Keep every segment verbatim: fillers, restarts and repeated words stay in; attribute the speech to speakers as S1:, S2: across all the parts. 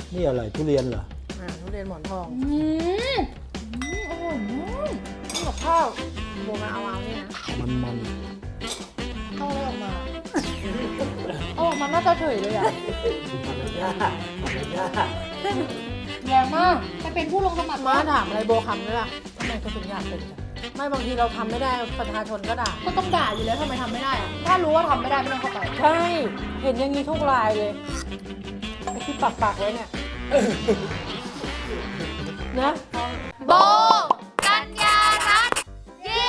S1: นี่อะไรทุเรียนเหรอ
S2: อ่าทุเรียนหมอนทอง
S3: อืมอร่อยมาก
S2: นี่กับข้าวโบมาเอาเอานี่นะ
S1: มันมัน
S2: เข้าแล้วออกมา
S3: เอาออกมาหน้าตาเฉยเลยอ่ะ
S1: ยากมันยาก
S3: แรงมากไปเป็นผู้ลงสมัคร
S2: มา
S3: มา
S2: ถามอะไรโบคำด้วยล่ะทำไมเขาถึงอยากเป็นกันไม่บางทีเราทำไม่ได้ประชาชนก็ด่า
S3: ก็ต้องด่าอยู่แล้วทำไมทำไม่ได้อะถ้ารู้ว่าทำไม่ได้ไม่ต้องเข้าไป
S2: ใช่ เห็นอย่างนี้ทุกรายเลยไอ้ที่ปักปักๆไว้เนี่ยนะ
S3: โบกัญญารัตน์เย้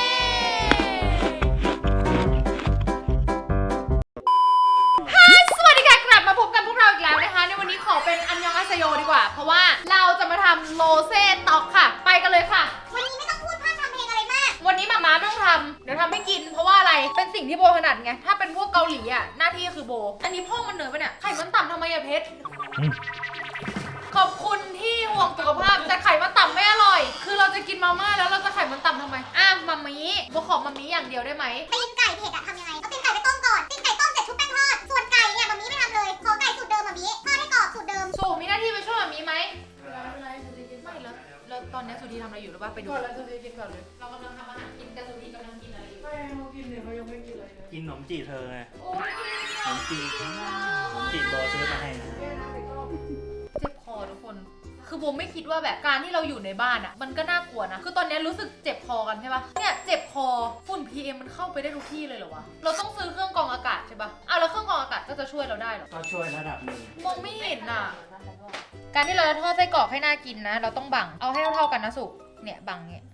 S3: สวัสดีค่ะกลับมาพบกันพวกเราอีกแล้วนะคะในวันนี้ขอเป็นอันยองอาเซโยดีกว่าเพราะว่าเราจะมาทำโรเซ่ต็อกค่ะไปกันเลยค่ะ
S4: วันนี้ไม่ต้องพูดพร่ำทำเพลงอะไรมาก
S3: วันนี้หมาม้าไม่ต้องทำเดี๋ยวทำให้กินเพราะว่าอะไรเป็นสิ่งที่โบถนัดไงถ้าเป็นพวกเกาหลีอ่ะหน้าที่คือโบอันนี้พ่อมันเหนื่อยปะเนี่ยไข่มันต่ำทำไมอะเพชรขอบคุณที่ห่วงสุขภาพแต่ไข่มันต่ำไม่อร่อย คือเราจะกินมาม่าแล้วเราจะไข่มันต่ำทำไมอ่ะมามีโบขอมามีอย่างเดียวได้ไหม
S4: ตีนไก่เผ็ดอะทำยังไง เอาตีนไก่ไปต้มก่อน ตีนไก่ต้มเสร็จชุบแป้งทอด ส่วนไก่เนี่ยมามีไม่ทำเลย ขอไก่สูตรเดิมมามีทอดให้กรอบสูตรเดิม
S3: สูมีหน้าที่ไปช่วยมามีไหมไม่แล้วแล้วตอนนี้สุธีทำอะไรอยู่หรือว่าไปดู
S2: ก่อนแล้วจะได้กินก่อนเลย
S3: เรากำลังทำอาหารกินแต่สุธีกำลังกินอะไรอยู่
S2: ไม่เขากินเนี่ยเขายังไม่กินอะไรเลย
S5: กินขนมจีบเธอไง
S3: โอ้ย
S5: ขนมจีบขนมจีบโบซื้อมาให้นะ
S3: เจ็บคอทุกคน คือโบไม่คิดว่าแบบการที่เราอยู่ในบ้านอ่ะมันก็น่ากลัวนะ คือตอนนี้รู้สึกเจ็บคอกันใช่ปะเนี่ยเจ็บคอฝุ่น พี เอ็ม มันเข้าไปได้ทุกที่เลยเหรอวะ เราต้องซื้อเครื่องกรองอากาศใช่ปะอ้าวแล้วเครื่องกรองอากาศก็จะช่วยเราได้เหรอ
S5: ก็ช่วยระดับหนึ่ง
S3: มองไม่เห็นอ่ะ การที่เราจะทอดไส้กรอกให้น่ากินนะ เราต้องบัง เอาให้เท่าๆกันนะสุเนี่ยบังเนี่ย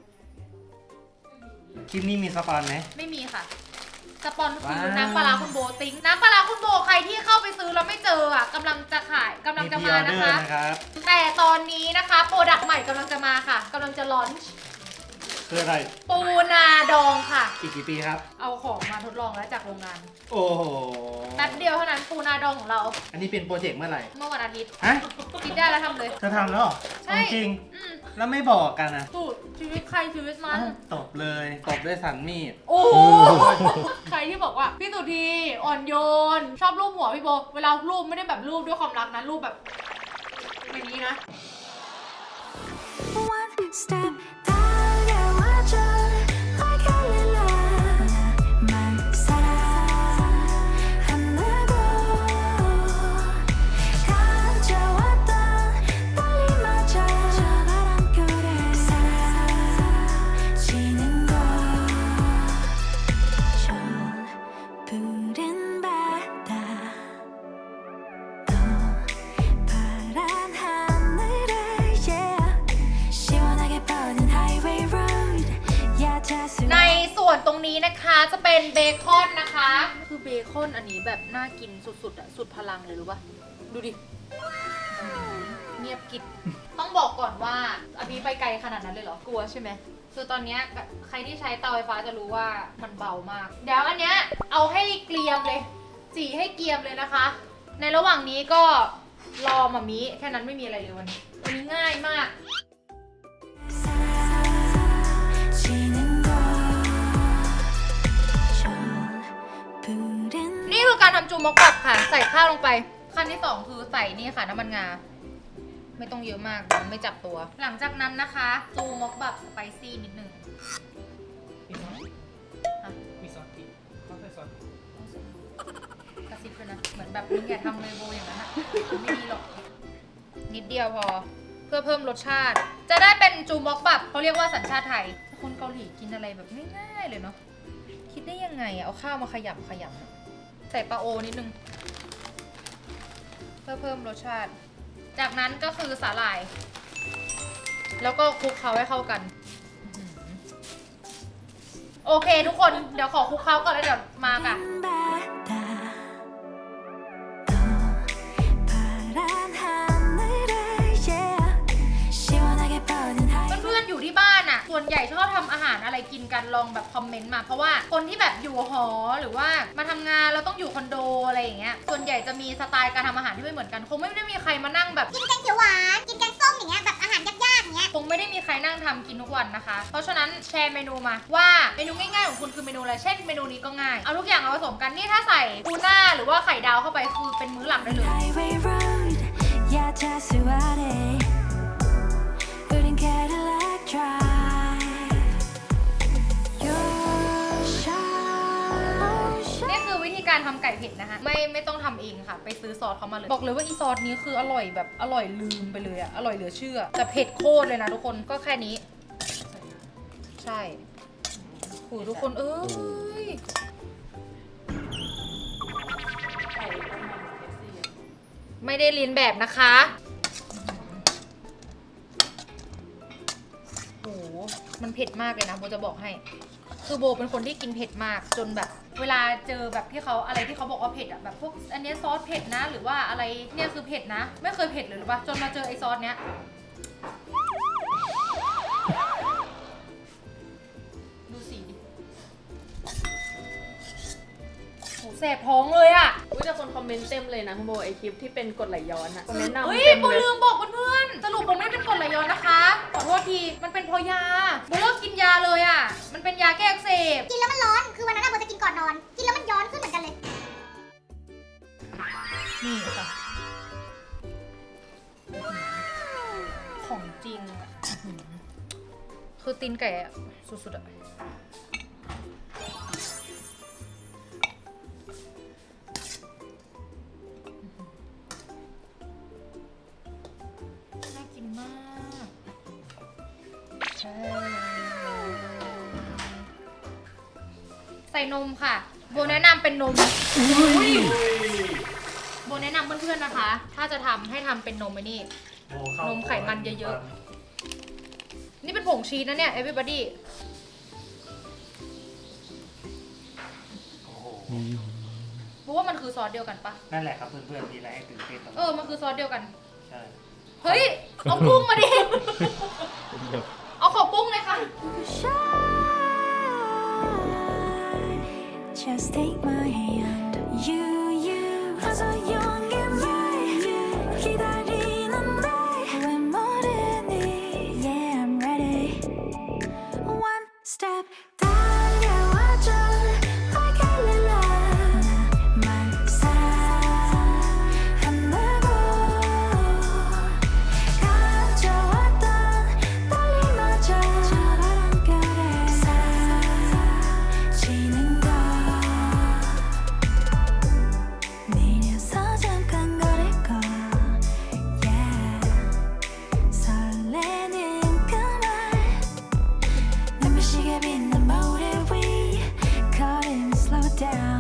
S5: คลิปนี้มีสปอนไหม
S3: ไม่มีค่ะ สปอนคือ
S5: ว้าว
S3: น้ำปลาร้าคุณโบติ้งน้ำปลาร้าคุณโบใครที่เข้าไปซื้อแล้วไม่เจออ่ะกำลังจะขายกำลัง
S5: มี
S3: จะ
S5: พรีอ
S3: มา
S5: อเด
S3: นะ
S5: อร์
S3: คะ
S5: นะครับ
S3: แต่ตอนนี้นะคะโปรดักต์ใหม่กำลังจะมาค่ะกำลังจะลอนช์
S5: คืออะไร
S3: ปูนาดองค่ะ
S5: อีกกี่ปีครับ
S3: เอาของมาทดลองแล้วจากโรงงาน
S5: โอ้โห
S3: แป๊บเดียวเท่านั้นปูนาดองของเรา
S5: อันนี้เป็นโปรเจกต์เมื่อไหร่
S3: เมื่อวันอาทิตย์
S5: ฮะ
S3: คิดได้แล้วทำเลย
S5: เธอทำแล้วเหรอ
S3: ใช่
S5: จริง
S3: อืม
S5: ๆแล้วไม่บอกกันนะ
S3: สูตรชีวิตใครชีวิตมัน
S5: อ้าวตบเลย ตบด้วยสันมีด
S3: โอ้โหใครที่บอกว่าพี่สุธีอ่อนโยน ชอบรูปหัวพี่โบเวลารูปไม่ได้แบบรูปด้วยความรักนะรูปแบบอย่างนี้นะ
S6: One step 달려와줘 like a lila 말 사랑한다고 가져왔던 떨림마저 저 바람결에 사라지는 걸 저 푸른 바다 또 파란 하늘에 yeah 시원하게 뻗는 highway road 야자수
S3: ในส่วนตรงนี้นะคะจะเป็นเบคอนนะคะ คือเบคอนอันนี้แบบน่ากินสุดๆอะสุดพลังเลยรู้ปะดูดิเงียบกิบต้องบอกก่อนว่าอันนี้ไปไกลขนาดนั้นเลยเหรอกลัวใช่ไหมคือตอนเนี้ยใครที่ใช้เตาไฟฟ้าจะรู้ว่ามันเบามาก เดี๋ยวอันเนี้ยเอาให้เกรียมเลยจีให้เกรียมเลยนะคะ ในระหว่างนี้ก็รอมามิแค่นั้นไม่มีอะไรเลยวันนี้วันนี้ง่ายมาก
S6: 사라지는 걸 저 푸른
S3: นี่คือการทำจูมอกบับค่ะ ใส่ข้าวลงไป ขั้นที่สองคือใส่นี่ค่ะน้ำมันงา ไม่ต้องเยอะมากมันไม่จับตัว หลังจากนั้นนะคะ จูมอกบับสไปซี่นิดนึง
S5: มีซอสพริกเขาใส่ซอส
S3: กระซิบเลยนะ เหมือนแบบมึงอย่าทำเลยโบอย่างนั้นอะไม่ดีหรอก นิดเดียวพอ เพื่อเพิ่มรสชาติ จะได้เป็นจูมอกบับเขาเรียกว่าสัญชาติไทย คนเกาหลีกินอะไรแบบง่ายๆเลยเนาะ คิดได้ยังไงอะเอาข้าวมาขยำขยำใส่ปลาโอนิดนึง เพื่อเพิ่มรสชาติ จากนั้นก็คือสาหร่าย แล้วก็คลุกเคล้าให้เข้ากันอื้อหือโอเคทุกคน เดี๋ยวขอคลุกเคล้าก่อนแล้วเดี๋ยวมาค่ะ
S6: 바다 또 파란 하늘에 yeah 시원하게 뻗는 highway
S3: เพื่อนๆอยู่ที่บ้านอ่ะ ส่วนใหญ่ชอบทำอาหารอะไรกินกันลองแบบคอมเมนต์มา เพราะว่าคนที่แบบอยู่หอหรือว่ามาทำงานเราต้องอยู่คอนโดอะไรอย่างเงี้ย ส่วนใหญ่จะมีสไตล์การทำอาหารที่ไม่เหมือนกัน คงไม่ได้มีใครมานั่งแบบ
S4: กินแกงเขียวหวาน กินแกงส้มอย่างเงี้ย แบบอาหารยากๆอย่างเงี้ย
S3: คงไม่ได้มีใครนั่งทำกินทุกวันนะคะ เพราะฉะนั้นแชร์เมนูมาว่าเมนูง่ายๆของคุณคือเมนูอะไร เช่นเมนูนี้ก็ง่าย เอาทุกอย่างมาผสมกัน นี่ถ้าใส่ทูน่าหรือว่าไข่ดาวเข้าไปคือเป็นมื้อหลักได้เลย
S6: highway road 야자 just what it 우린 Cadillac drive Your shine
S3: นี่คือวิธีการทำไก่เผ็ดนะคะไม่ไม่ต้องทำเองค่ะ ไปซื้อซอสเขามาเลย บอกเลยว่าอีซอสนี้คืออร่อยแบบอร่อยลืมไปเลยอะอร่อยเหลือเชื่อแต่เผ็ดโคตรเลยนะทุกคนก็แค่นี้ ใช่โหทุกคนเอ้ยไม่ได้ลิ้นแบบนะคะโหมันเผ็ดมากเลยนะโบจะบอกให้ คือโบเป็นคนที่กินเผ็ดมากจนแบบ เวลาเจอแบบที่เขาอะไรที่เขาบอกว่าเผ็ดอะแบบพวกอันเนี้ยซอสเผ็ดนะ หรือว่าอะไรเนี่ยคือเผ็ดนะ ไม่เคยเผ็ดเลยหรือปะจนมาเจอไอซอสเนี้ยดูสีดิโหแสบท้องเลยอะ
S2: อุ้ยแต่คนคอมเมนต์เต็มเลยนะคุณโบไอคลิปที่เป็นกรดไหลย้อนอะคอมเมนต์นำ
S3: เฮ้ย
S2: เต็ม
S3: โบ
S2: เลย
S3: ลืมบอกเพื่อนๆสรุปโบไม่ได้เป็นกรดไหลย้อนนะคะ ขอโทษที มันเป็นเพราะยาโบเลิกกินยาเลยอ่ะ มันเป็นยาแก้อักเสบ
S4: กินแล้วมันร้อน คือวันนั้นอะโบจะกินก่อนนอน กินแล้วมันย้อนขึ้นเหมือนกันเลย
S3: นี่ค่ะ ของจริงอะคือตีนไก่อะสุดๆอะน่ากินมากใช่ใส่นมค่ะ โบแนะนำเป็นนมอุ๊ยโบแนะนำเพื่อนๆนะคะ ถ้าจะทำให้ทำเป็นนมไอ้นี่ นมไขมันเยอะๆ นี่เป็นผงชีสนะเนี่ย everybody
S5: โอ้โห
S3: เพราะว่ามันคือซอสเดียวกันปะ
S5: นั่นแหละครับเพื่อนๆมีอะไรให้ตื่นเต้นตรง
S3: เออ มันคือซอสเดียวกัน
S5: ใช่
S3: เฮ้ย เอากุ้งมาดิ เอาขอกุ้งเลยค่ะ
S6: Just take my hand You, you 어서 용기를 기다리는데 왜 모르니 Yeah, I'm ready One step 달려와줘 Like a lily 나만 사랑한다고 가져왔던 떨림마저 바람결에 사라지는 걸 내려서 잠깐 거릴 거 Yeah 설레는 그말 눈부시게 빛난 모래 위 걸음 slow down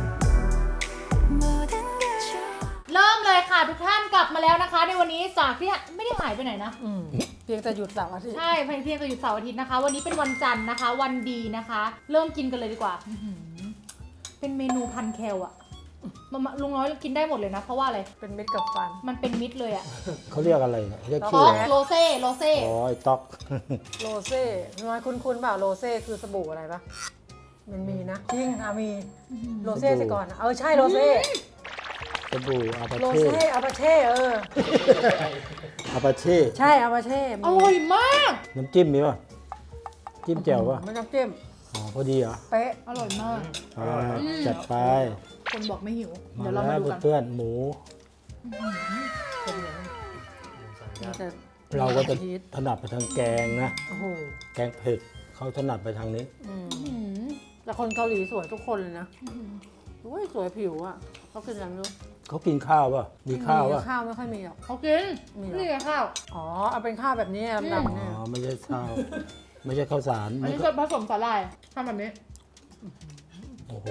S6: 모든 걸
S3: เริ่มเลยค่ะทุกท่านกลับมาแล้วนะคะ ในวันนี้จากที่ไม่ได้หายไปไหนนะ
S2: อืมเพียงแต่หยุดเสาร์อาทิตย์
S3: ใช่เพียงเพียงแต่หยุดเสาร์อาทิตย์นะคะ วันนี้เป็นวันจันทร์นะคะ วันดีนะคะ เริ่มกินกันเลยดีกว่าอื้อหือเป็นเมนูพันแคลอะมามาลุงน้อยกินได้หมดเลยนะ เพราะว่าอะไร
S2: เป็นมิตรกับฟัน
S3: มันเป็นมิตรเลยอะ
S1: เขาเรียกอะไรเนี่ยเรียก
S3: ต๊
S1: ชื่อ
S3: อก
S1: อะไร
S3: โรเซ่โรเซ่
S1: อ๋อไอ้ต๊อก
S2: โรเซ่น้อยคุ้นๆเปล่าโรเซ่คือสบู่อะไรปะมันมีนะจริงค่ะมีโรเซ่สิก่อนนะเออใช่โรเซ่
S1: สบู่อาปา
S2: โร
S1: เช่
S2: เซ่อาปาเช่เออ
S1: อาปาเช่
S2: ใช่อาปาเช่มี
S3: อร่อยมาก
S1: น้ำจิ้มมีป่ะจิ้มแจ่วป่ะ
S2: ไม่ต้องจิ้ม
S1: อ๋อพอดีเหรอ
S2: เป๊ะ
S3: อร่อยมาก
S1: อ่าจัดไป
S3: คนบอกไม่หิว
S1: มา
S3: เดี๋ยวเรามา
S1: แล้ว
S3: ดูกัน
S1: เพื่อนๆหมู
S2: เป็นไงมันจะ
S1: เราก็จะ
S2: ชีส
S1: ถนัดไปทางแกงนะ
S2: โอ้โห
S1: แกงเผ็ดเขาถนัดไปทางนี้
S2: อืม
S3: อื้อหือ
S2: แต่คนเกาหลีสวยทุกคนเลยนะโอ้ยสวยผิวอ่ะเขากินอะไรไม่รู้
S1: เขากินข้าวป่ะมีข้าว
S2: มี
S1: ป่ะ
S2: ข้าวไม่ค่อยมีหรอก
S3: เขากิน
S2: มีเหรอ
S3: นี่ไงข้าว
S2: อ๋อเอาเป็นข้าวแบบนี้ดำๆ
S1: อ๋
S2: เนี่ย
S1: อไม่ใช่ข้าว ไม่ใช่ข้าวสาร
S3: อัน
S1: ไม่
S3: นี้
S1: ก็
S3: จะผสมสาหร่ายทำแบบนี้
S1: โอ้โห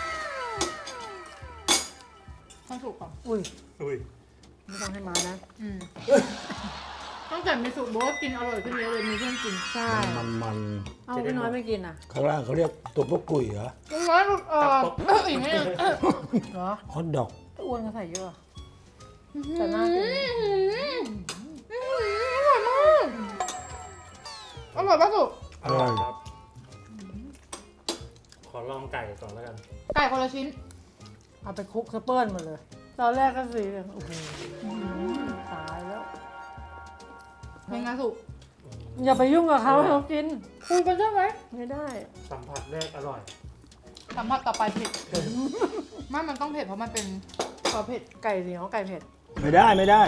S3: ต้องถูกก่อน
S2: อุ้ย
S5: อุ้ย
S2: ไม่ต้องให้มานะ
S3: อืมตั้งแต่มีสูตรโบ๊ทกินอร่อยขึ้นเยอะเลยมีเพื่อนกิน
S2: ใช่
S1: มันมัน
S2: เอาพี่น้อยไม่กินอ่ะ
S1: ๆข้างล่างเขาเรียกตัวพวกกุ๋ยเหรอ
S3: ลุงน้อยหลุดออกเอ้ยอีกนิดนึง
S2: เหรอ
S1: ฮอทดอก
S2: อ้วนก็ใส่เยอะแต่น่ากิน
S3: อร่อยมากอร่อยปะสุ
S1: อร่อย
S5: ครับขอลองไก่ก่อนแล้วกัน
S3: ไก่คนละชิ้น
S2: เอาไปคลุกสเปิร์นหมดเลย ตอนแรกก็สีเหลืองโอ้โหตายแล้ว
S3: เป็นไงสุ
S2: อย่าไปยุ่งกับเขาให้เขากิน
S3: คุยกันได้ไหม
S2: ไม่ได้
S5: สัมผัสแรกอร่อย
S3: สัมผัสต่อไปเผ็ดไม่มันต้องเผ็ดเพราะมันเป็นซอสเผ็ด
S2: ไก่เหนียวไก่เผ็ด
S1: ไม่ได้ไม่ได้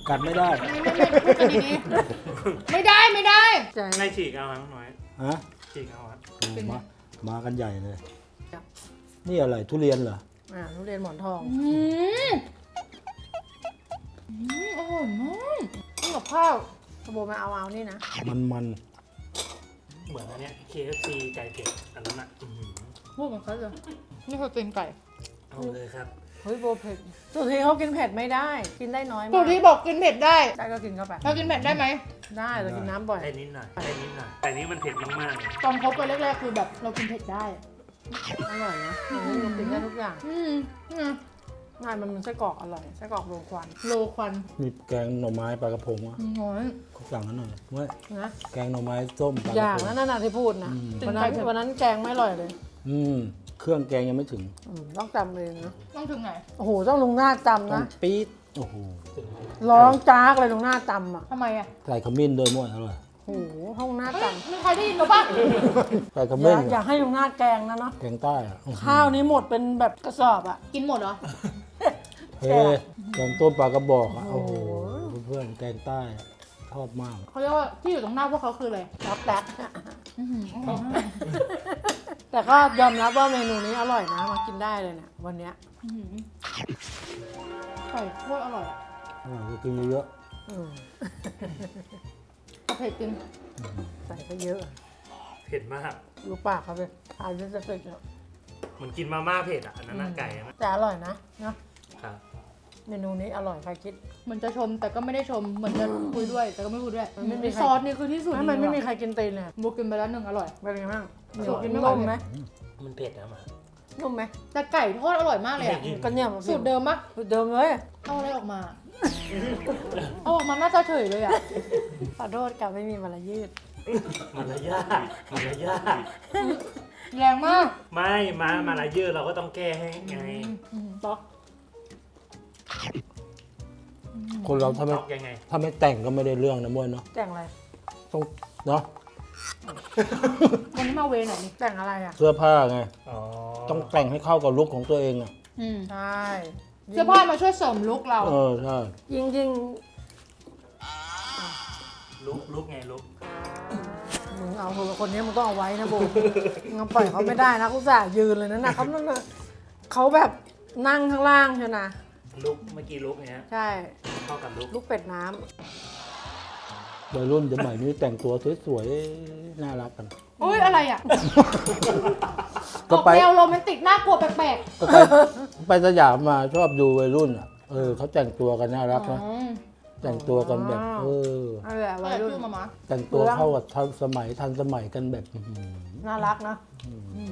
S1: กัดไม่ได้
S3: ไม่ไม่ไม่พูดกันดีๆไม่ได้ไม่ได้
S2: ใจ
S5: ไม่ฉีกเอาครับน้อย
S1: ฮะ
S5: ฉีกเอาครับ
S1: โอ้มา มากันใหญ่เลย นี่อะไรทุเรียนเหรอ
S2: อ่าทุเรียนหมอนทอง
S3: อืมอืมอร่อยมากนี่กับข้าว
S2: สโบมาเอาเอานี่นะ
S1: มันมัน
S5: เหมือนอันเนี้ย เค เอฟ ซี ไก่เผ็ดอันนั้นอ่ะอื้อหือ
S3: พูดเหมือนเขาเลยนี่คือกินไก่
S5: เอาเลยครับ
S2: เฮ้ยโบเผ็ดสุธีเขากินเผ็ดไม่ได้ กินได้น้อย
S3: สุ
S2: มาก
S3: ธีบอกกินเผ็ดได้
S2: ได้ก็กินเข้าไป
S3: เรากินเผ็ดได้ไหม
S2: ได้เรากินน้ำบ่อย
S5: ได้นิดหน่อยได้นิดหน่อย แต่นี้มันเผ็ดมากๆเลย
S3: ตอนคบกันแรกๆคือแบบเรากินเผ็ดได้
S2: อร่อยนะอันนี้เรากินได้ทุกอย่าง
S3: อืมนี่ไง
S2: ง่ายมันมันไส้กรอกอร่อยไส้กรอกโรยควัน
S3: โลควัน
S1: มีแกงหน่อไม้ปลากระพงอ่ะ
S3: น้อย
S1: เขาสั่งกันหน่อยเว้ย
S2: นะ
S1: แกงหน่อไม้ส้มปลาก
S2: อ
S1: ระ
S2: ย่าง
S1: พง
S2: นั้นน่ะที่พูดนะ
S1: อืม
S2: วันนั้นวันนั้นแกงไม่อร่อยเลย
S1: อืมเครื่องแกงยังไม่ถึง
S2: อืมต้องจำเองนะ
S3: ต้องถึงไหน
S2: โอ้โหต้องลุงหน้าจำ
S1: ต้อง
S2: นะ
S1: ปี๊ดโอ้โห
S2: ร้องจากเลยลุงหน้าจำอ่ะ
S3: ทำไมอ่ะ
S1: ใส่ขมิ้นด้วยมั้ยอร่อย
S2: โอ้โหห้องหน้า
S3: เฮ้ย
S2: จ
S3: มีใครได้ยินหรือปะ
S1: ใส่ข
S2: ำอ
S1: มิ้น
S2: ย่าอย่าให้ลุงหน้าแกงนะเนาะ
S1: แกงใต้อ่ะอื้อหือ
S2: ข้าวนี้หมดเป็นแบบกระสอบอ่ะ
S3: กินหมดเหรอ
S1: เฮ้แกงต้มปลากระบอกอ่ะ
S2: โอ้
S1: โอ้
S2: โห
S1: โหเพื่อนๆแกงใต้อะชอบมาก
S3: เขาเรียกว่าที่อยู่ตรงหน้าพวกเขาคืออะไร
S2: รับแป๊ก
S3: อื้อหืออร่อยมาก
S2: แต่ก็ยอมรับว่าเมนูนี้อร่อยนะมากินได้เลยเนี่ยวันเนี้ย
S3: อื้อหือไก่โคตรอร่อยอ่ะ
S1: อร่อยก็กินเยอะ
S2: อืม
S3: เอาเผ็ดจริง
S2: ใส่ก็เยอะ
S5: เผ็ดมาก
S2: ดูปากเขาเลยทานจะเสร็จแล้ว
S5: เหมันกินมาม่าเผ็ดอ่ะอันนั้นน่ะไก่อะนะ
S2: แต่อร่อยนะเนาะ
S5: ครับ
S2: เมนูนี้อร่อยใครคิด
S3: เหมือนจะชมแต่ก็ไม่ได้ชม เหมือนจะคุยด้วย แต่ก็ไม่พูดด้วย
S2: มันไม่มีใคร
S3: ซอสนี่คือที่สุด
S2: ไม่มันไม่มีใครกินตีนเลย
S3: บุกกินไปแล้วหนึ่งอร่อย
S2: เป็นไงบ้างเหนี
S3: สู
S2: ยว
S3: ตรกินไม่ไหว
S2: นุ่มไหม
S5: มันเผ็ดนะมา
S2: นุ่มไหม
S3: แต่ไก่ทอดอร่อยมากเลยอ่ะ
S2: ก็เนี่ย
S3: สูตรเดิมปะ
S2: สูตรเดิมเลย
S3: เอาอะไรออกมา เอาออกมาน่าจะเฉยเลยอ่ะ
S2: ขอโทษกับไม่มีมารยืด
S5: มันละยากมันละยาก
S3: แรงมาก
S5: ไม่มามาละเยอะเราก็ต้องแก้ให้ไง
S3: ต๊อก
S1: ๆคนเราถ้าไม่
S5: ตอกยังไง
S1: ถ้าไม่แต่งก็ไม่ได้เรื่องนะมวยเนาะ
S2: แต่งอะไร
S1: ต้องเนาะ
S3: วันนี้มาเวไหนนี่
S2: แต่งอะไรอ่ะ
S1: เสื้อผ้าไง
S5: อ๋อ
S1: ต้องแต่งให้เข้ากับลุคของตัวเองอ่ะ
S3: อืม
S2: ใช่
S3: เสื้อผ้ามาช่วยเสริมลุคเรา
S1: เออใช่
S2: ยิ่งยิ่ง
S5: ลุกลุกไงลุก
S2: มึงเอาคนนี้มึงต้องเอาไว้นะโบมึงปล่อยเขาไม่ได้นะเขาสายืนเลยนะนะเขาเขาแบบนั่งข้างล่างใช่นะ
S5: ลุกเมื่อกี้ลุกเนี้ย
S2: ใช่
S5: เข้ากับลุก
S2: ลูกเป็ดน้
S1: วัยรุ่นสมัยนี้แต่งตัวสวยๆน่ารักกัน
S3: อุ้ยอะไรอ่ะ
S1: ก็
S3: ออก
S1: ไป
S3: แนวโรแมนติกน่ากลัวแปลก
S1: ก็ไปไปสยามมาชอบดูวัยรุ่นอ่ะเออเขาแต่งตัวกันน่ารัก
S3: ๆอ๋
S1: นะ
S3: อ
S1: แต่งตัวกันแบบเออ
S2: ำนั่นแหละ
S3: ก็
S2: วั
S3: เลย ย
S2: รุ่น
S3: ชื่อมามา
S1: แต่งตัวเข้ากับทันสมัยทันสมัยกันแบบอื้อหือ
S2: น่ารักนะ
S3: อืม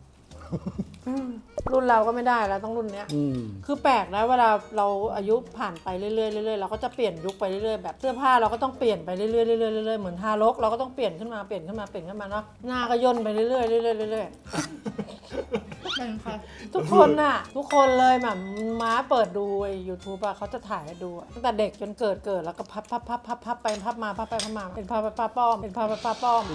S2: รุ่นเราก็ไม่ได้แล้วต้องรุ่นเนี้ย
S1: อืม
S2: คือแปลกนะเวลาเราอายุผ่านไปเรื่อยๆเรื่อยๆเราก็จะเปลี่ยนยุคไปเรื่อยๆแบบเสื้อผ้าเราก็ต้องเปลี่ยนไปเรื่อยๆเรื่อยๆเรื่อยๆเหมือนทารกเราก็ต้องเปลี่ยนขึ้นมาเปลี่ยนขึ้นมาเปลี่ยนขึ้นมาเนาะหน้าก็ย่นไปเรื่อยๆเรื่อยๆเรื่อย
S3: เป็นใคร
S2: ๆทุกคนน่ะ ทุกคนเลยแบบม้าเปิดดูไอ้ยูทูบอะเขาจะถ่ายให้ดูอะตั้งแต่เด็กจนเกิดเกิดแล้วก็พับพับพับพับพับไปพับมาพับไปพับมาเป็นพาป้าป้อมเป็นพาป้าป้อม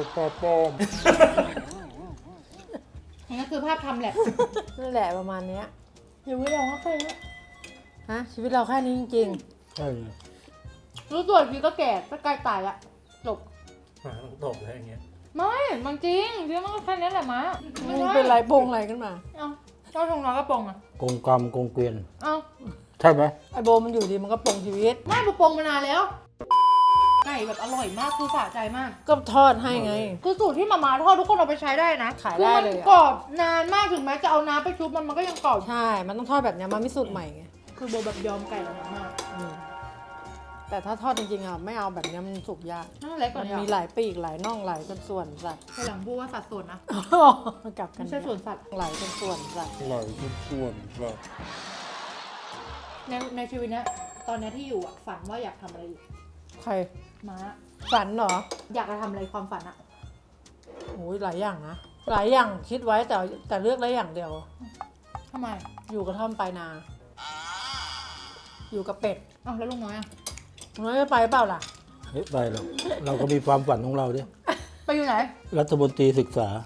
S3: นั่นคือภาพทำแหละ
S2: นั่นแหละประมาณเนี้ย
S3: อย่าไว้ลองว่าใครนะ
S2: ฮะชีวิตเราแค่นี้จริง
S1: ใช่ไง
S3: รู้ตัวอีกทีก็แก่ก็ใกล้ตายละจบ
S5: มาต้องตบเลยอย่างเงี้ย
S3: ไม่มันจริงจริงมันก็แค่นี้แหละมะ
S2: ๆ
S3: ไม่
S2: มึง
S3: ใช่
S2: เป็นไรโปงอะไรขึ้นมา
S3: เอ้าเจ้าทงน้อยก็ปองอ่ะ
S1: กงกรรมกงเกวียน
S3: เอ้า
S1: ใช่ไหม
S2: ไอโบมันอยู่ดีมันก็ปลงชีวิต
S3: ไม่ปองมานานแล้ว ไก่แบบอร่อยมากคือสะใจมาก
S2: ก็ทอดให้ไง
S3: คือสูตรที่มาม่าทอดทุกคนเอาไปใช้ได้นะ
S2: ขายได้เลย
S3: คือ
S2: อะ
S3: มันกรอบนานมากถึงแม้จะเอาน้ำไปชุบมันมันก็ยังกรอบ
S2: ใช่ มันต้องทอดแบบเนี้ยมันไม่สูตรใหม่ไง
S3: คือโบแบบยอมไก่แล้วมาก
S2: อืมแต่ถ้าทอดจริงๆอ่ะไม่เอาแบบเนี้ยมันสุกยาก
S3: นั่นเล็กก
S2: มั
S3: ว่าน นี้
S2: มีหลายปีกหลายน่องหลายจนส่วนสัตว์
S3: ทีหลังพูดว่าสัดส่วนนะ
S2: มันกลับกัน
S3: ไม่ใช่ส่วนสัตว์
S2: หลายจนส่วนสัตว์
S1: อร่อยทุกส่วนครับ
S3: ในในชีวิตเนี้ยตอนเนี้ยที่อยู่อ่ะฝันว่าอยากทำอะไรอยู่
S2: ใคร
S3: ม้า
S2: ฝันเหรอ
S3: อยากจะทำอะไรความฝันอะ
S2: โอ้ยหลายอย่างนะ หลายอย่างคิดไว้แต่แต่เลือกได้อย่างเดียว
S3: ทำไม
S2: อยู่กระท่อมปลายนา อยู่กับเป็ด
S3: อ้าวแล้วลุงน้อยอะ
S2: น้อยไม่ไปเปล่าล่ะ
S1: เฮ้ยไปหรอกเราก็มีความฝันของเราดิ
S3: ไปอยู่ไหน
S1: รัฐมนตรีศึกษา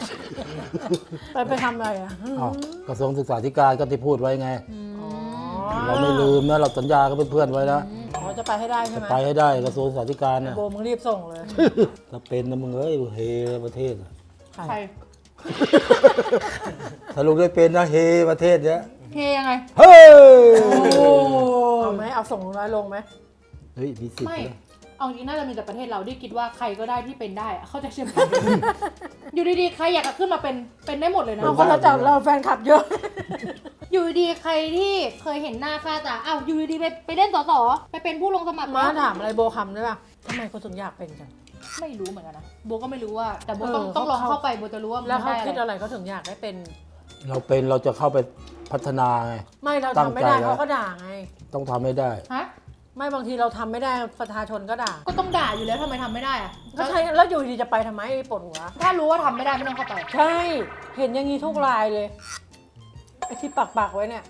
S2: ไปไปทำอะไรอ่ะ
S1: อ้าวกระทรวงศึกษาธิการก็ที่พูดไว้ไง
S2: อ๋อ
S1: เราไม่ลืมนะเราสัญญากับเพื่อนๆไว้นะ
S2: อ๋อจะไปให้ได้ใช่
S1: จะ
S2: ไหม
S1: ไปให้ได้กระทรวงสาธการนะ
S2: โบมึงรีบส่งเลย
S1: ถ้าเป็นนะมึงเอ้ยเฮประเทศอะ
S3: ใคร
S1: ถ้าลุงได้เป็นนะเฮประเทศเนี้ย
S3: เฮยังไง
S1: เฮ้ย
S2: เอาไหมเอาส่งลุงน้อยลงไหม
S1: เฮ้ยมีสิทธิ์
S3: ไม่
S1: นะ
S3: เอาจริงน่าจะมีแต่ประเทศเราที่คิดว่าใครก็ได้ที่เป็นได้อะเข้าใจใช่ไหม อยู่ดีๆใครอยากจะขึ้นมาเป็นเป็นได้หมดเลยนะ
S2: เอาคนเราจะเราแฟนคลับเยอะ
S3: อยู่ดีๆใครที่เคยเห็นหน้าค่าตาอ้าวอยู่ดีๆไปไปเล่นสสไปเป็นผู้ลงสมัคร
S2: มาถามอะไรโบคำได้ป่ะทำไมคนถึงอยากเป็นกัน
S3: ไม่รู้เหมือนกันนะโบก็ไม่รู้ว่า แต่โบ
S2: เออ
S3: ต้องต้องลอง
S2: เขา
S3: เข้าไปโบจะรู้ว่ามัน
S2: แล้วเขา
S3: ได้
S2: คิด
S3: อะไร
S2: อะไรเขาถึงอยากได้เป็น
S1: เราเป็นเราจะเข้าไปพัฒนาไง
S2: ไม่เรา
S1: ตั้ง
S2: ทำไม่ได้
S1: ใจแล้ว
S2: เขาก็ด่าไง
S1: ต้องทำให้ได้
S3: ฮะ
S2: ไม่บางทีเราทำไม่ได้ประชาชนก็ด่า
S3: ก็ต้องด่าอยู่แล้วทำไมทำไม่ได้อะ
S2: ก็ใช่แล้วอยู่ดีจะไปทำไมปวดหัว
S3: ถ้ารู้ว่าทำไม่ได้ไม่ต้องเข้าไป
S2: ใช่ เห็นอย่างนี้ทุกรายเลยไอ้ที่ปักปักๆไว้เนี่ย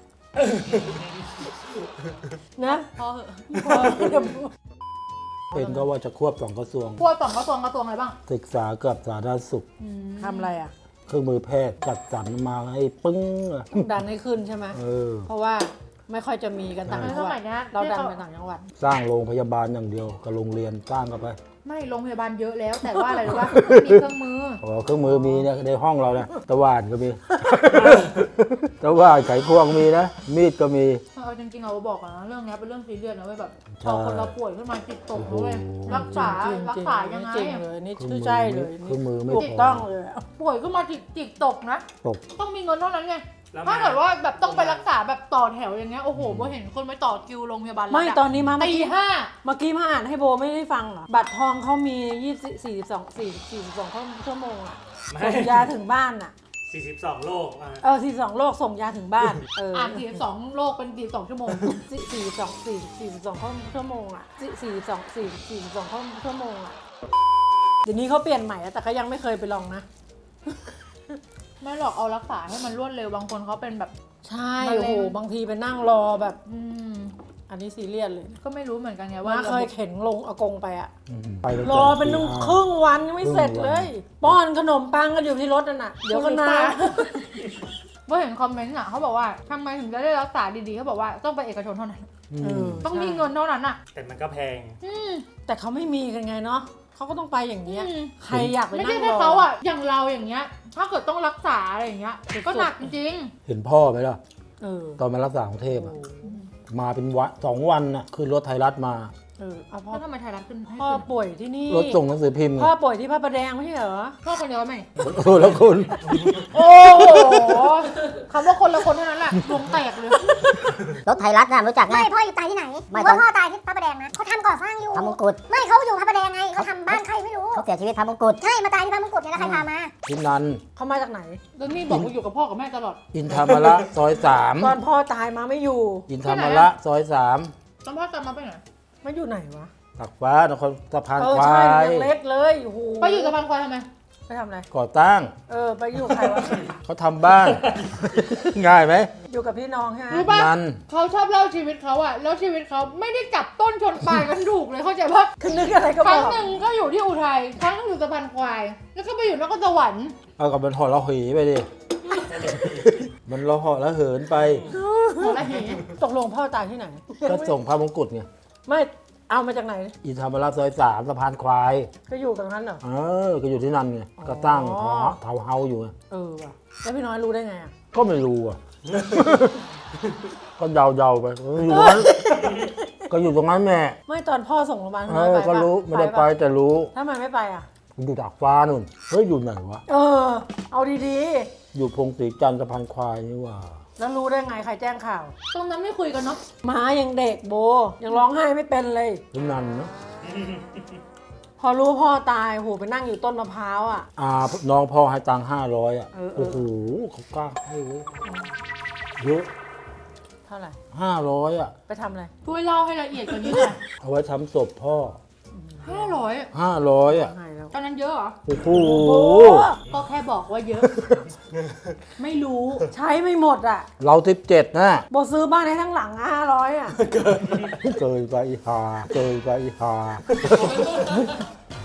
S2: นะ
S3: พอเหอะ
S2: พอเดี๋ยว
S1: เป็นก็ว่าจะควบสองกระทรวง
S3: พวกสองกระทรวงกระทรวงอะไรบ้าง
S1: ศึกษากับสาธารณสุข
S2: ทำอะไรอ่ะ
S1: เครื่องมือแพทย์จัดสรรมาให้ปึ้งอะ
S2: ดันให้ขึ้นใช่ไหม
S1: เออ
S2: เพราะว่าไม่ค่อยจะมีกันต่างจังห
S3: ส
S2: วั
S3: มั
S2: ด
S3: ยเนี้ย
S2: เราดันไปต่างจังหวัด
S1: สร้างโรงพยาบาลอย่างเดียวกับโรงเรียนสร้างกันไป
S3: ไม่โรงพยาบาลเยอะแล้ว แต่ว่าอะไรรู้ป่ะมีเครื่องมือ
S1: อ๋อเครื่องมือมีเนี่ยในห้องเราเนี่ยตะว่านก็มี ตะว่านไขควงมีนะ มีดก็มี
S3: เอาจริงๆเราบอกก่อนนะเรื่องเนี้ยเป็นเรื่องซีเรียสนะเว้ยแบบ
S1: ใช่
S3: พอคนเราป่วยขึ้นมาจิตตกนะเว้ย
S1: โอ้โห
S3: รักษา
S2: จริงๆ
S3: รักษายังไง
S2: จริงๆเลยนี่ชื่อใช่เลย
S1: เครื่องมือไม่
S2: ถู
S1: พ
S2: ก
S1: อ
S2: ต้องเลย
S3: ป่วยขึ้นมาจิตจิตตกนะ
S1: ตก
S3: ต้องมีเงินเท่านั้นไง
S5: แล้ว
S3: ถ้าเกิดว่าแบบต้องไปรักษาแบบต่อแถวอย่างเงี้ยโอ้โหโบเห็นคนไปต่อคิวโรงพยาบาลรัฐ
S2: ไม่
S3: อะ
S2: ตอนนี้มาเมื่อ
S3: ตี
S2: กี้
S3: ห้า
S2: เมื่อกี้มาอ่านให้โบไม่ได้ฟังเหรอบัตรทองเขามียี่สิบสี่สิบสองสี่สี่สิบสองชั่วโมงอ่ะ
S5: ไม่
S2: ส่งยาถึงบ้านอ่ะ
S5: สี่สิบสองโลกอ่ะ
S2: เออสี่สองโลกส่งยาถึงบ้านเออ
S3: อ่านสี่สิบสองโลกเป็นสี่สิบสองชั่วโมง
S2: สี่สี่สองสี่สี่สิบสองชั่วโมงอ่ะสี่สี่สองสี่สี่สิบสองชั่วโมงอ่ะเดี๋ยวนี้เขาเปลี่ยนใหม่แล้วแต่ก็ยังไม่เคยไปลองนะ
S3: ไม่หรอกเอารักษาให้มันรวดเร็วบางคนเขาเป็นแบบ
S2: ใช่
S3: มะเร็ง
S2: โอ้โหบางทีไปนั่งรอแบบ
S3: อืม
S2: อันนี้ซีเรียสเลย
S3: ก็ไม่รู้เหมือนกันไงว่า
S2: ว่าเคยเข็นลงอากงไปอ่ะ
S1: อืมไปตั้ง
S2: ร
S1: แต่
S2: อเป็น
S1: ตีห้า
S2: ครึ่งวันยังไม่เสร็จเลย ป้อนขนมปังกันอยู่ที่รถนั่นน่ะ เดี๋ยวก็นา
S3: ว่าเห็นคอมเมนต์อ่ะเขาบอกว่าทำไมถึงจะได้รักษาดีๆเขาบอกว่าต้องไปเอกชนเท่านั้น
S1: อื
S2: เอ
S1: ม
S2: อ
S3: ต้องมีเงินเท่านั้นอ่ะ
S5: แต่มันก็แพง
S3: อืม
S2: แต่เขาไม่มีกันไงเนาะเขาก็ต้องไปอย่างเงี้ย
S3: อืม
S2: ใครอยากไป
S3: ไม่
S2: นั่
S3: ใช่
S2: ง
S3: แค่
S2: รอ
S3: เขาอ่ะอย่างเราอย่างเงี้ย ถ้าเกิดต้องรักษาอะไรอย่างเงี้ยก็หนักจริง
S1: เห็นพ่อไหมล่ะ
S2: เออ
S1: ตอนมารักษากรุงเทพอะมาเป็นวันสองวันน่ะขึ้นรถไทยรัฐมา
S2: เออเอา
S3: ๆ
S2: พ่อ
S3: แล้วทำไมไทยรัฐขึ้นให้
S2: พ่อ
S3: ขึ้น
S2: ป่วยที่นี่
S1: รถส่งหนังสือพิมพ์ไง
S2: พ่อป่วยที่พระประแดงไม่ใช่เหรอ
S3: พ่อคนเดียวไหม
S1: โอ้แล้วคุณ
S3: โอ้โหคำว่าคนละคนเท่านั้นแหละดวงแตกเลย
S7: รถไทยรัฐนะรู้จักไหม
S4: ไม่พ่ออยู่ตายที่ไหน
S7: ไม่
S4: ว่า
S7: ตอน
S4: พ่อตายที่พระประแดงนะเขาทำก่อสร้างอยู่
S7: พระมงกุฎ
S4: ไม่เขาอยู่พระประแดงไงเขาทำบ้านใครไม่รู้
S7: เขาเสียชีวิตพระมงกุฎ
S4: ใช่มาตายที่พระมงกุฎเนี่ยแล้วใครพามา
S1: ทินัน
S2: เขามาจากไหน
S3: แล้วนี่บอกว่าอยู่กับพ่อกับแม่ตลอด
S1: อินทามระซอยสาม
S2: ตอนพ่อตายมาไม่อยู่
S1: อินทามระซอยสาม
S3: ตอนพ่อจำมาไปไหน
S2: มาอยู่ไหนวะ
S1: ตักฟ้านครสะพาน
S2: เออ
S1: ควา
S2: ใช่
S1: ย
S2: ยังเล็กเลยโอ้โห
S3: ไปอยู่สะพานควายทำไม
S2: ไปทำอะไร
S1: ก่อตั้ง
S2: เออไปอยู่ใครวะ
S1: เขาทำบ้าน ง่ายไหม
S2: อยู่กับพี่น้องใช่ไหม
S3: รู้ป่ะ
S1: นัน
S3: เขาชอบเล่าชีวิตเขาอะแล้วชีวิตเขาไม่ได้จับต้นชนปลายกันถูกเลยเข้าใจปะ
S2: คือนึกอะไรก็
S3: ค
S2: บ
S3: รั้
S2: อง ก
S3: หนึ่งก็อยู่ที่อุทัยครั้งหนึงอยู่สะพานควาย แล้วก็ไปอยู่นครสวรรค์
S1: เอากับมันหอละเหยไปดิ มันเราหอละเหินไป
S3: หัวละเห
S2: ตกลงพ่อตายที่ไหน
S1: ก็ส่งพระมงกุฎไง
S2: ไม่เอามาจากไหน
S1: อินทามระซอยสามสะพานควาย
S2: ก็อยู่กับนั้นเหรอ
S1: เออ ก็อยู่ที่นั่นไง ก็ตั้ง
S2: อ๋อ
S1: เทาเฮาอยู่ไง
S2: เออว่ะแล้วพี่น้อยรู้ได้ไงอ่ะ
S1: ก็ไม่รู้อ่ะ ก็เดาๆไปอยู่ตรงนั้น ก็อยู่ตรงนั้นแม่
S2: ไม่ตอนพ่อส่งโรงพยาบาล
S1: เอ
S2: พี่น้อย
S1: อ
S2: ไป
S1: ก็
S2: ปะ
S1: รู้ไม่ได้ไป
S2: ปะ
S1: แต่รู้
S2: ทำไมไม่ไปอ่ะ
S1: อยู่ดาดฟ้านู่น เฮ้ยอยู่ไหนวะ
S2: เออ เอาดี
S1: อยู่พงศรีจันทร์สะพานควายนี่หว่า
S2: ๆ แล้วรู้ได้ไงใครแจ้งข่าว
S3: ตรงนั้นไม่คุยกันเนาะ
S2: หมายังเด็กโบ ยังร้องไห้ไม่เป็นเลย
S1: ที่นั่นเนาะ
S2: พอรู้พ่อตายโหไปนั่งอยู่ต้นมะพร้าวอ่ะ
S1: อ่าน้องพ่อให้ตังค์ห้าร้อยอ่ะ
S2: เออเออ
S1: โอ้โหเขากล้าให้เว้ยเยอะ
S2: เท่าไหร่
S1: ห้าร้อยอ่ะ
S2: ไปทำอะไร
S3: ช่วยเล่าให้ละเอียดกว่านี้หน่อย
S1: เอาไว้ทำศพพ่อ
S3: ห้าร้อย
S1: ห้าร้อยอ่ะ
S2: ไงแล้ว
S3: ตอนนั้นเยอะเหรอ
S1: โอ้โห
S2: โอ้
S3: ก็แค่บอกว่าเยอะ ไม่รู้
S2: ใช้ไม่หมดอ่ะ
S1: เราทิปเจ็ดนะ
S2: โบซื้อบ้านให้ทั้งหลังห้าร้อยอ่ะ
S1: เกยไปอีหาเกยไปอีหา
S2: จ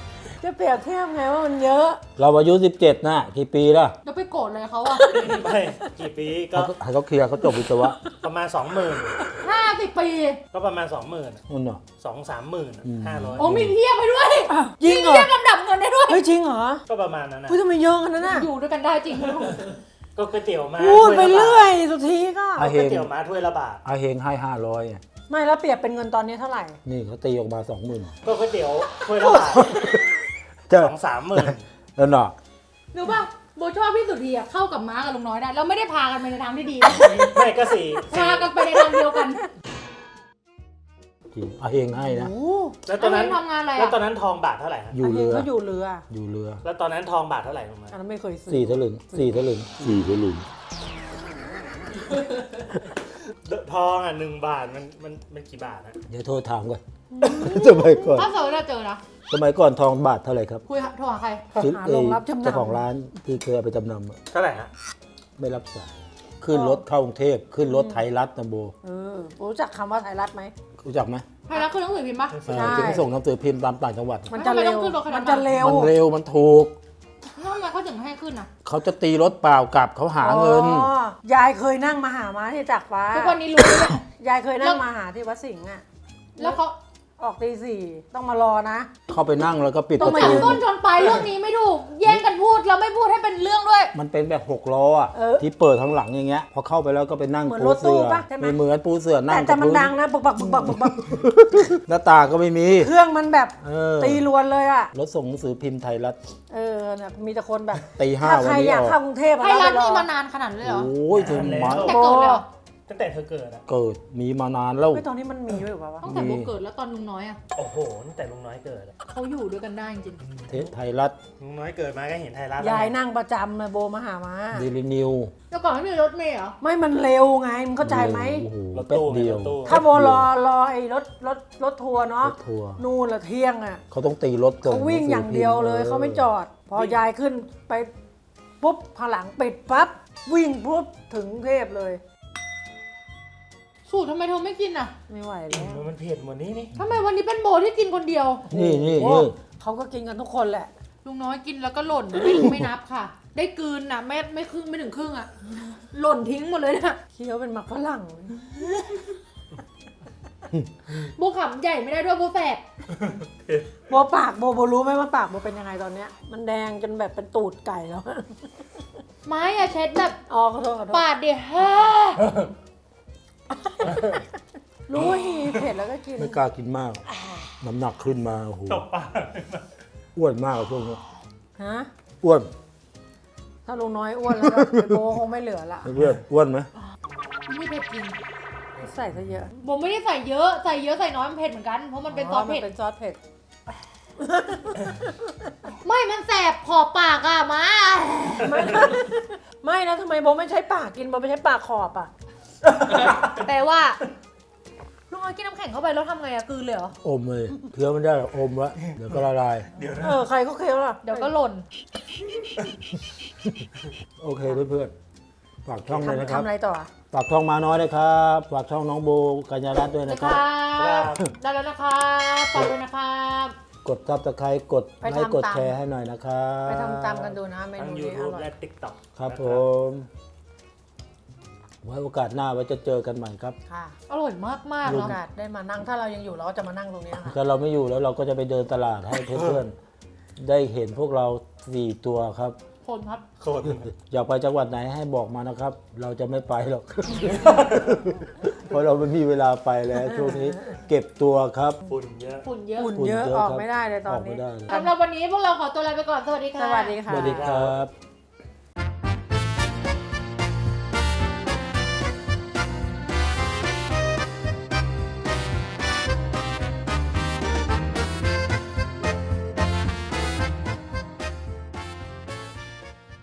S2: จะเปรียบเทียบไงว่ามันเยอะ
S1: เราอายุสิบเจ็ดนะกี่ปีละ
S3: แล้วไปโกรธเลยเขาอะ
S5: ไม่กี่ปีก็
S1: เขาให้เขาเคลียร์เขาจบวิศวะ
S5: ประมาณสองหมื่น
S3: ห้าสิบปี
S5: ก็ประมาณสองหมื่น
S1: นั่นเนาะ
S5: สองสามหมื่น
S1: อืม
S5: ห้าร้อย
S3: โอ้มีเทียบไปด้วย
S2: จริงเหรอ
S3: เทียบลำดับเงินได้ด้วย
S2: เฮ้ยจริงเหรอ
S5: ก็ประมาณนั้นนะ
S2: เฮ้ยทำไมเยอะขนาดนั้นน่ะ
S3: อยู่ด้วยกันได้จริง
S5: ก็ก๋วยเตี๋ยวมา
S2: พูดไป
S5: ถ้วละบาท
S2: เรื่อยสุดทีก็
S1: อา
S5: ก๋
S1: เฮ
S5: วย
S1: ง
S5: เตี๋ยวมาถ้วยละบาท
S1: อาเฮงให้ห้าร้อย
S2: ไม่แล้วเปรียบเป็นเงินตอนนี้เท่าไหร่
S1: นี่เขาตีออกมาสองหมื่น
S5: ก็ก๋วยเตี๋ยวถ้วยละบาท
S1: จะ
S5: สองสามหมื่น
S1: แล้วเนาะ
S3: หรือป่ะโบชอบพี่สุดทีอะเข้ากับม้ากับลุงน้อยได้ เราไม่ได้พากันไปในทางที่ดี
S5: ไม่ก็สี่
S3: พากันไปในทางเดียวกัน
S1: จริงอาเฮงให้นะ
S2: โอ้
S5: แล้วตอนนั้น
S3: แล้วเฮงทำงานอะไรอะ
S5: แล้วตอนนั้นทองบาทเท่าไหร่ฮะ
S1: อยู่
S2: อาเฮ
S1: เรื
S2: ง
S1: อ
S2: เขาอยู่เรือ
S1: อยู่เรือ
S5: แล้วตอนนั้นทองบาทเท่าไหร่ลงมา
S2: อันนั้นไม่เคยซื้อ
S1: สี่สลึงสี่สลึงสี่สลึง
S5: ทองอ่ะหนึ่งบาทมันมันมันกี่บาทนะ
S1: เดี๋ยวโทรถามก่อนสมัยก่อน
S3: ถ้าเจอเราเจอนะ
S1: สมัยก่อนทองบาทเท่าไหร่ครับ
S3: คุยโทรหาใคร
S1: ซื้อ
S2: หา
S1: เอ
S2: โรงรับจำนำ
S1: เจ้าของร้านที่เคยเอาไปจำนำอะ
S5: เท่าไหร่ฮะ
S1: ไม่รับสายขึ้นรถเข้ากรุงเทพขึ้นรถไทยรัฐนะโบ
S2: เออรู้จักคำว่าไทยรัฐไหม
S1: รู้จักไหม
S3: ใครรักคือหนังสือพิมพ์ปะ
S1: เออ
S2: ใช่
S1: ที่เขาส่งหนังสือพิมพ์ตามต่างจังหวัด
S2: มันจะเร็ว
S3: ทำไมต้องขึ้นรถขนาดนั้น
S2: มันจะเร็ว
S1: มันเร็วมันถูก
S3: ทำไมเขาถึงให้ขึ้นอะ
S1: เขาจะตีรถเปล่ากลับเขาหาเงิน
S2: อ๋อยายเคยนั่งมาหาม้าที่จากฟ้า
S3: ทุกวันนี้รู้เลย
S2: ยายเคยนั่งมาหาที่วัดสิงห์อ่ะ
S3: แล้วเขา
S2: ออกตีสี่ต้องมารอนะ
S1: เข้าไปนั่งแล้วก็ปิด
S2: ต้
S1: ป
S2: อง
S1: ระ
S2: มา
S1: ตู
S2: ยื
S3: ต้นชนปลายเรื่องนี้ไม่ถูก แย่งกันพูดเราไม่พูดให้เป็นเรื่องด้วย
S1: มันเป็นแบบหกล้ออ่ะ
S2: เออ
S1: ที่เปิดข้างหลังอย่างเงี้ยพอเข้าไปแล้วก็ไปนั่ง
S2: เหมือน
S1: ปู
S2: รถตู้
S1: เสือ
S2: ปะใช่ไหม
S1: ไม่เหมือนปูเสือนั่
S2: แต่
S1: ง
S2: แต่
S1: กับ
S2: มัน
S1: พื้น
S2: ดังนะบึกบักบึกบักบึกบัก
S1: หน้าต่างก็ไม่มี
S2: เครื่องมันแบบ
S1: เออ
S2: ตีรวนเลยอ่ะ
S1: รถส่งหนังสือพิมพ์ไทยรัฐ
S2: เออเนี่ยมีแต่คนแบบ
S1: ตีห้า
S2: ถ้า
S1: วั
S2: ใคน ร
S1: นี้
S2: อยาก
S1: ออก
S2: เข้ากรุงเทพอะ
S3: ไทยรัฐ
S2: แล้ว
S3: นี่
S2: ไปรอ
S3: มานานขนาดนั้นเลยเหรอ
S1: โอ้ยถึงมา
S3: แต่เกิดเลยเหรอ
S5: ตั้งแต่เธอเกิดอ่ะ
S1: เกิดมีมานานแล้ว
S2: เฮ้ยตอนนี้มันมีด้วยเหรอวะ
S3: ตั้งแต่โบเกิดแล้วตอนลุงน้อยอะ
S5: โอ้โหตั้งแต่ลุงน้อยเกิดอะ
S3: เขาอยู่ด้วยกันได้จริง
S1: เทปไทยรัฐ
S5: ลุงน้อยเกิดมาก็เห็นไทยรัฐ
S2: ยายนั่งประจำเลยโบมาหามา
S1: เดลินิว
S3: ๆแล้วก่อนไม่มีรถเมล์เหรอ
S2: ไม่มันเร็วไงมึงเข้าใจไหม
S1: โอ้โห
S5: รถ
S1: แป๊บ
S5: ตู้
S1: เดียว
S5: รถตู้
S2: ถ้าโบรอรอไอ้รถรถรถทัวร์
S1: ร
S2: เนาะ
S1: ถทัวร์
S2: นู่นละเที่ยงอ่ะ
S1: เขาต้องตีรถส่
S2: เขาวิ่งอย่างเดียวเลยเขาไม่จอด พอยายขึ้นไปปุ๊บพอหลังปิดปั๊บวิ่งปุ๊บถึงกรุงเทพเลย
S3: สูตรทำไมเธอไม่กินอะ
S2: ไม่ไหวแล้ว
S5: มันเผ็ดหมดนี้นี่
S3: ทำไมวันนี้เป็นโบที่กินคนเดียว
S1: นี่นี่
S2: โอ้
S1: นี่
S2: เขาก็กินกันทุกคนแหละ
S3: ลุงน้อยกินแล้วก็หล่น ไม่ไม่นับค่ะ ได้กลืนน่ะไม่ไม่ครึ่งไม่ถึงครึ่งอะหล่นทิ้งหมดเลยนะ
S2: เคี้ยวเป็นหมักฝรั่ง
S3: โบขำใหญ่ไม่ได้ด้วยโบแสบ
S2: โบปากโบโบรู้ไหมว่าปากโบเป็นยังไงตอนเนี้ย มันแดงจนแบบเป็นตูดไก่แล้ว
S3: ไม้อะเช็ดแบบ
S2: อ๋อขอโทษขอโทษ
S3: ปาดเดียวฮ่า
S2: รู้ว่าฮีเผ็ดแล้วก็กิน
S1: ไม่กล้ากินมาก น้ำหนักขึ้นมาโอ้โห
S5: ตบปาก
S1: อ้วนมากอะช่วงนี้
S2: ฮะ
S1: อ้วน
S2: ถ้าลุงน้อยอ้วนแล้วก็เดี๋ยวโบคงไม่เหลือละ
S1: เพื่อนอ้วนไหม
S3: ไม่เผ็ดจริง
S2: ใส่ซะเยอะ
S3: โบไม่ได้ใส่เยอะใส่เยอะใส่น้อยมันเผ็ดเหมือนกันเพราะมันเป็นซอสเผ็ด
S2: มันเป็นซอสเผ็ด
S3: ไม่มันแสบขอบปากอะมา
S2: ไม่ไม่นะทำไมโบไม่ใช้ปากกินโบไม่ใช้ปากขอบอ่ะ
S3: แปลว่าลุงน้อยกินน้ำแข็งเข้าไปแล้วทำไงอะกลืนเลยเหรอ
S1: อมเลยเคี้ยวไม่ได้หรอกอมละเดี๋ยวก็ละลาย
S5: เดี๋ยวนะ
S2: เออใครก็เคี้ยวล่ะ
S3: เดี๋ยวก็หล่น
S1: โอเคเพื่อนๆฝากช่องเลยนะ
S2: ทำ
S1: ครับ
S2: ทำอะไรต่ออ่ะ
S1: ฝากช่องมาน้อยนะครับฝากช่องน้องโบกัญญารัตน์ด้วย
S3: นะ
S1: นะ
S3: ค
S1: ค
S3: รั
S1: รับ
S3: บได้แล้วนะครับฝากด้วยนะครับ
S1: กดซับสไครต์กดไลค์กดแชร์ให้หน่อยนะครับ
S2: ไปทำตามกันดูนะเม
S5: ทั้ง
S2: นูนี้อ
S5: YouTube
S2: ร่อย
S5: และ TikTok
S1: ครับผม ไว้โอกาสหน้าไว้จะเจอกันใหม่ครับ
S2: ค่ะ
S3: อร่อยมากมาก
S2: มี
S3: ๆ
S2: โอ
S3: เนาะ
S2: กาสได้มานั่งถ้าเรายังอยู่เราก็จะมานั่งตรงนี้ค่ะ
S1: ถ้าเราไม่อยู่แล้วเราก็จะไปเดินตลาดให้เพื่อนๆ ได้เห็นพวกเราสี่ตัวครับ
S3: คนครับ
S5: โคตร
S1: อยากไปจังหวัดไหนให้บอกมานะครับ เราจะไม่ไปหรอก เพราะเราไม่มีเวลาไปแล้วช่วงนี้เก็บตัวครับ
S5: ฝุ่นเยอะ
S3: ฝุ่นเยอะ
S2: ฝุ่นเยอะ
S1: ฝุ่นเยอะ
S2: ออก
S1: ครับ
S2: ไม่ได้เลยตอน
S1: ออกไม่
S2: นี้
S1: ได้เลย
S3: สำหรับวันนี้พวกเราขอตัวลาไปก่อน สวัสดีค่ะ
S2: สวัสดีค่ะ
S1: สวัสดีครับ